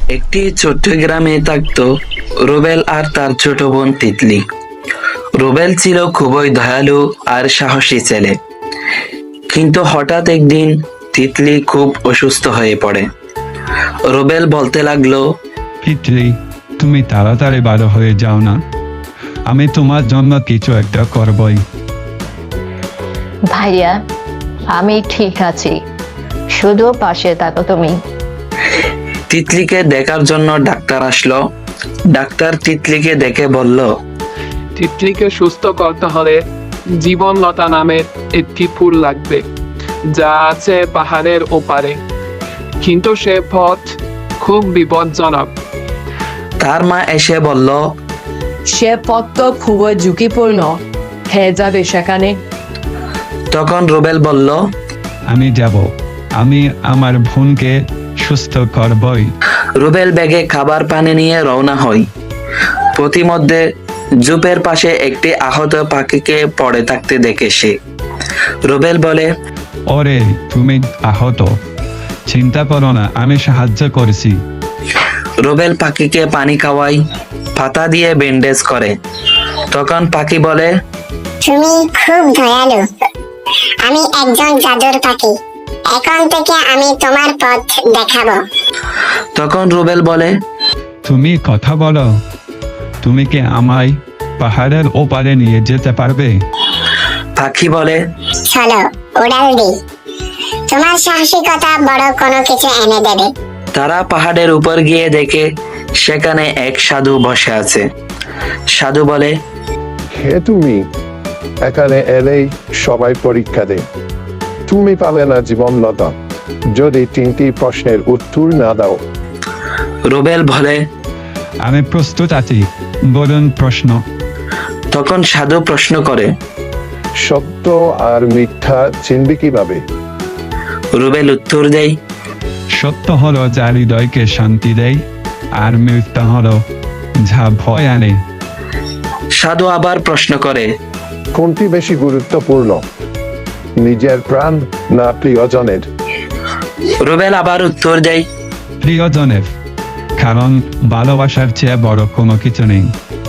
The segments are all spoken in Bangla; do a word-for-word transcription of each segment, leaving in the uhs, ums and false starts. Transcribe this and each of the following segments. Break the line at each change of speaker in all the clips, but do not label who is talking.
একটি ছোট্ট গ্রামে থাকতো রুবেল আর তার ছোট বোন তিতলি। রুবেল ছিল খুবই দয়ালু আর সাহসী ছেলে, কিন্তু হঠাৎ একদিন তিতলি খুব অসুস্থ হয়ে পড়ে। রুবেল বলতে লাগলো,
তিতলি, তুমি তাড়াতাড়ি ভালো হয়ে যাও না, আমি তোমার জন্য কিছু একটা করবই।
ভাইয়া, আমি ঠিক আছি, শুধু পাশে থাকো তুমি।
তিতলিকে দেখার জন্য ডাক্তার আসলো। ডাক্তার তিতলিকে দেখে বলল,
তিতলিকে সুস্থ করতে হলে জীবনলতা নামের একটি ফুল লাগবে, যা আছে পাহাড়ের ওপারে, কিন্তু সে পথ খুব বিপজ্জনক।
তার মা এসে বলল,
সে পথ তো খুবই ঝুঁকিপূর্ণ, হে যাবে সেখানে।
তখন রুবেল বলল,
আমি যাব, আমি আমার বোনকে সুস্থ করবই।
রুবেল ব্যাগে খাবার পানি নিয়ে রওনা হয়। প্রতিমধ্যে জুপের পাশে একটি আহত পাখিকে পড়ে থাকতে দেখে সে। রুবেল বলে,
ওরে, তুমি আহত, চিন্তা করো না, আমি সাহায্য করেছি।
রুবেল পাখিকে পানি খাওয়ায়, পাতা দিয়ে ব্যান্ডেজ করে। তখন পাখি বলে,
তুমি খুব দয়ালু, আমি একজন জাদুর পাখি, এখন থেকে আমি তোমার পথ দেখাবো।
তখন রুবেল বলে,
তুমি কথা বলো, তুমি কি আমায় পাহাড়ের ওপারে নিয়ে যেতে পারবে?
পাখি বলে,
চলো উড়াল দি, তোমার সাহসিকতা বড় কোনো কিছু এনে দেবে।
তারা পাহাড়ের উপর গিয়ে দেখে সেখানে এক সাধু বসে আছে। সাধু বলে,
হে তুমি, এখানে এলেই সবাই পরীক্ষা দেয়, তুমি পাবে না জীবনলতা যদি তিনটি প্রশ্নের উত্তর না দাও।
রুবেল বলে,
আমি প্রস্তুত আছি, বলুন প্রশ্ন।
তখন সাধু প্রশ্ন করে,
সত্য আর মিথ্যা চিনবি কিভাবে?
রুবেল উত্তর দেয়,
সত্য হলো যা হৃদয়কে শান্তি দেয়, আর মিথ্যা হলো যা ভয় আনে।
সাধু আবার প্রশ্ন করে,
কোনটি বেশি গুরুত্বপূর্ণ, নিজের প্রাণ না প্রিয়জনের?
রুবেল আবার উত্তর দেয়,
প্রিয়জনের, কারণ ভালোবাসার চেয়ে বড় কোনো কিছু নেই।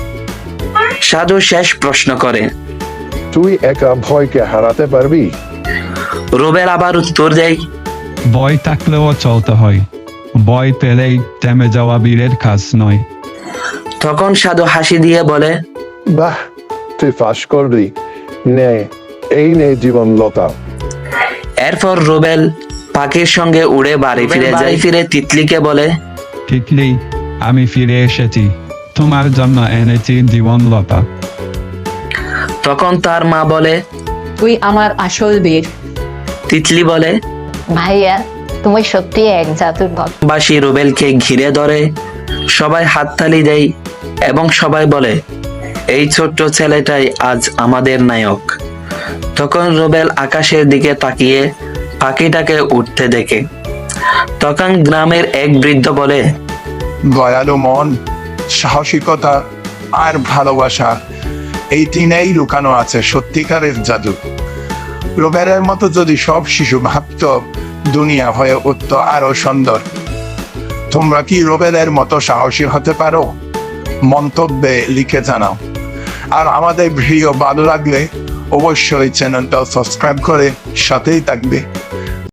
সাধু শেষ প্রশ্ন করে,
তুই একা ভয়কে হারাতে পারবি?
রুবেল আবার উত্তর দেয়,
ভয় থাকলেও চলতে হয়, ভয় পেলেই থেমে যাওয়া বীরের কাজ নয়।
তখন সাধু হাসি দিয়ে বলে,
বাহ, তুই ফাঁস করবি, নে এই নে জীবনলতা।
এরপর রুবেল পাখির সঙ্গে উড়ে বাড়ি ফিরে যায়। ফিরে তিতলিকে বলে,
তিতলি, আমি ফিরে এসেছি, তোমার জন্য এনেছি জীবনলতা।
তখন তার মা বলে,
তুই আমার আসল বীর।
তিতলি বলে,
ভাইয়া, তুমি সত্যি এক জাদুর ভক্ত।
বাসি রুবেলকে ঘিরে ধরে, সবাই হাততালি দেয় এবং সবাই বলে, এই ছোট্ট ছেলেটাই আজ আমাদের নায়ক। তখন রুবেল আকাশের দিকে তাকিয়ে পাখিটাকে উঠতে দেখে। তখন গ্রামের এক বৃদ্ধ বলে,
দয়ালু মন, সাহসিকতা আর ভালোবাসা, এই তিনেই লুকানো আছে সত্যিকারের জাদু। রুবেলের মতো যদি সব শিশু ভাবত, দুনিয়া হয়ে উঠত আরো সুন্দর। তোমরা কি রুবেলের মতো সাহসী হতে পারো? মন্তব্যে লিখে জানাও। আর আমাদের ভিডিও ভালো লাগলে অবশ্যই চ্যানেলটা সাবস্ক্রাইব করে সাথেই থাকবে।